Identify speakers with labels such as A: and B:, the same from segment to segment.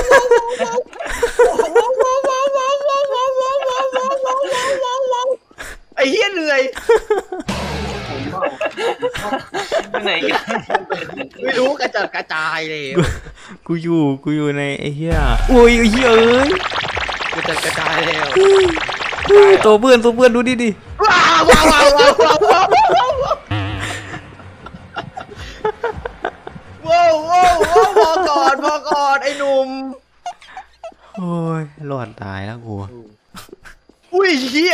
A: ไอ้เหี้ยเหนื่อย
B: ไปไหนกัน
A: ไม่รู้กระจัดกระจายเลย
C: กูอยู่ในไอ้เหี้ยโอ้ยไอ้เหี้ยเอ้ย
A: กระจัดกระจายแล้ว
C: ตัวเพื่อนดูดิ
A: ว้าวว้าวว้าวว้าวว้าวว้าวว้าวพอก่อนไอ้หนุ่ม
C: โอ้ยรอดตายแล้วกู
A: อุ้ยเหี้ย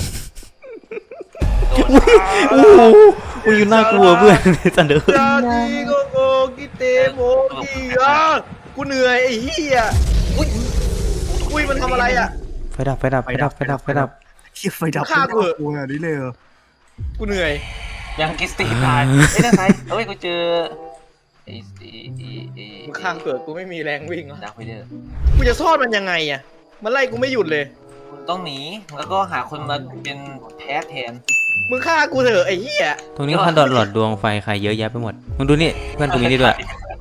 C: โอ้โหกูอยู่น่ากลัวเพื่อนสันเดอร์
A: ยาดีโกกิเตโมกิอ่ะกูเหนื่อยไอ้เหี้ยอุ้ยมันทำอะไรอ่ะ
C: ไฟดับ
D: เชี่ยไฟดับ
A: ฆ่ากู
D: กลัวอันนี้เลยเหรอ
A: กูเหนื่อย
B: ยังกิสตีตายไม่ได้ใครเอ้ยกูเจอไอ้
A: มึงข้างเกิดกูไม่มีแรงวิ่ง
B: ดักไปเด้อ
A: กูจะซ่อนมันยังไงอ่ะมันไล่กูไม่หยุดเลย
B: คุณต้องหนีแล้วก็หาคนมาเป็นแพ้แทน
A: มึงฆ่ากูเถอะไอ้เหี้ย
C: ตรงนี้คันหลอดดวงไฟใครเยอะแยะไปหมดมึงดูนี่เพื่อนกูมีนี่ด้วย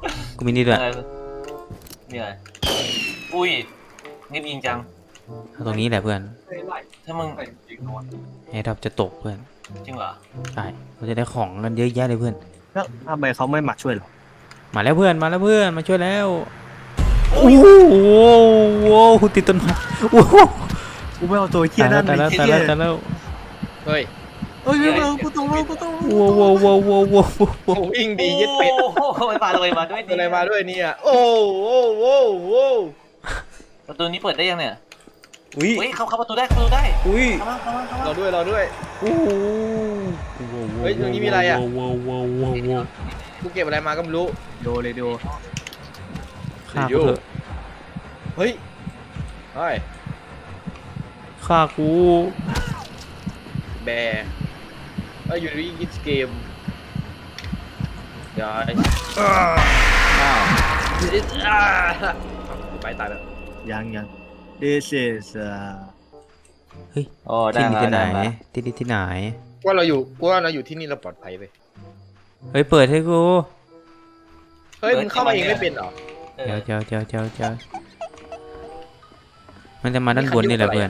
B: นี่อะไรอุ้ยนี่ยิงจัง
C: เอาตรงนี้แหละเพื่อน
B: ถ้ามึง
C: ไอ้ดับจะตกเพื่อน
B: จริงเหรอ
C: ใช่เราจะได้ของกันเยอะแยะเลยเพื่อน
D: แล้วทำไมเขาไม่มาช่วยเรา
C: มาแล้วเพื่อนมาช่วยแล้วโอ้โหติดต้นไม้โอ้โห
D: กูไม่เอาตัวเชี่ยนั่น
C: ตายแล้ว
A: เฮ้ย
D: เอ้ยกูต้อง
C: โว้
A: โอ้วิ่งดีเย็ดเป็ด
B: โอ้โหไปปาเลยมาด้วย
A: อะไรมาด้วยเนี่ยโอ้โห
B: ประตูนี้เปิดได้ยังเนี่ย
C: อุ้ย
B: เฮ้ยเข้าประตูได้
C: อุ้ย
B: เข้ามา
A: รอด้วย
C: โอ้โห
A: เฮ้ยตรงนี้มีอะไรอะ กูเก็บอะไรมาก็ไม่รู้
D: โดเลยโด
C: ฆ่ากูเถอะ
A: เฮ้ยเฮ้ย
C: ฆ่ากู
A: แบร์อยู่ในกิจเกมย้ายไปตายแล้ว
D: ยัง this is
C: เฮ้ย
B: โอ้
C: ที่
B: ได้
C: นี่ที่ไหน
B: มา
C: ที่ไหน
A: ว่าเราอยู่ที่นี่เราปลอดภัยไป
C: เฮ้ยเปิดให้กู
A: ฮ้ยมึงเข้ามาเองไม่เป็นเหรอ
B: เออ
C: เจ้ามันจะมาด้านบนนี่แหละเพื่อน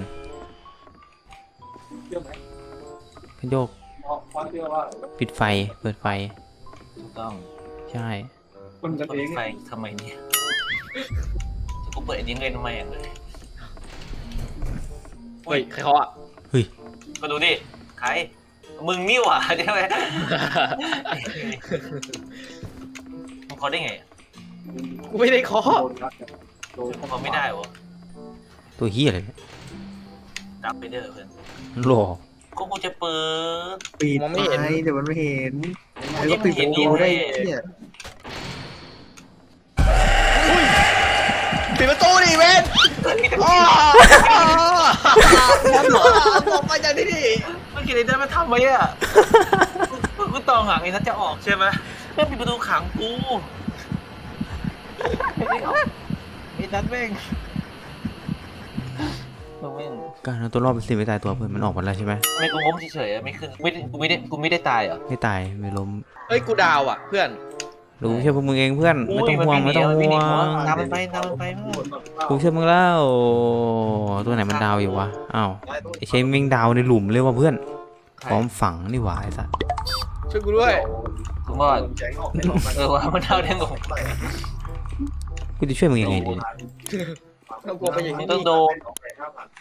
C: โยกปิดไฟเปิดไฟ
B: ถูกต้อง
C: ใช่
B: เปิดไฟทำไมเนี่ยกูเปิดอันนี้เล่นทำไมอ่ะเลย
A: เฮ้ยใครเคาะอ่ะ
B: ก็ดูดิใครมึงนี่หว่าใช่ไหมมึงเขาได้ไงอ่ะ
A: กูไม่ได้เคาะ
B: เขาไม่ได้วะ
C: ตัวเฮียอะไรเนี่ย
B: ดับไปเด้อเพื่อน
C: หล่อ
B: ก็กูจะเปิด
D: ปิดไฟเดี๋ยวมันไม่เห็นแล้วก็ปิดประตูได้เนี่ย
A: ปิดประตูดิเว้นอ๋อบอกไปจากที่นี่
B: เมื่อกี้ไอ้นั่นมันทำไว้อ่ะกูตองหางไอ้นั่นจะออกใช่ไหมแม่งปิดประตูขังกูไอ้นั่นแม่งแม่ง
C: การเอาตัวรอดเป็นสิ่งไม่ตายตัวเพื่อนมันออกมาแล้วใช่ไหม
B: ไม่กูง้มเฉยๆไม่ขึ้นกูไม่ได้ตายเหรอ
C: ไม่ตายไม่ล้ม
A: เฮ้ยกูดาวอ่ะเพื่อน
C: รู้เชื่อพวกมึงเองเพื่อนไม่ต้องห่วงไม่ต้องห่วง
B: ตามมันไปตามมันไปมึง
C: กูเชื่อมึงแล้วตัวไหนมันดาวอยู่วะอ้าวไอเชมมิงดาวในหลุมเลยว่ะเพื่อนพร้อมฝังนี่หว่าไอ้สัส
A: ช่วยกูด้วย
B: กูว่าว่ามันเท่าได้งง
C: กูจะช่วยมึงยังไงดี
A: ต้องกลัวไปอย่าง
B: มึ
A: นี้
B: งต้องโดน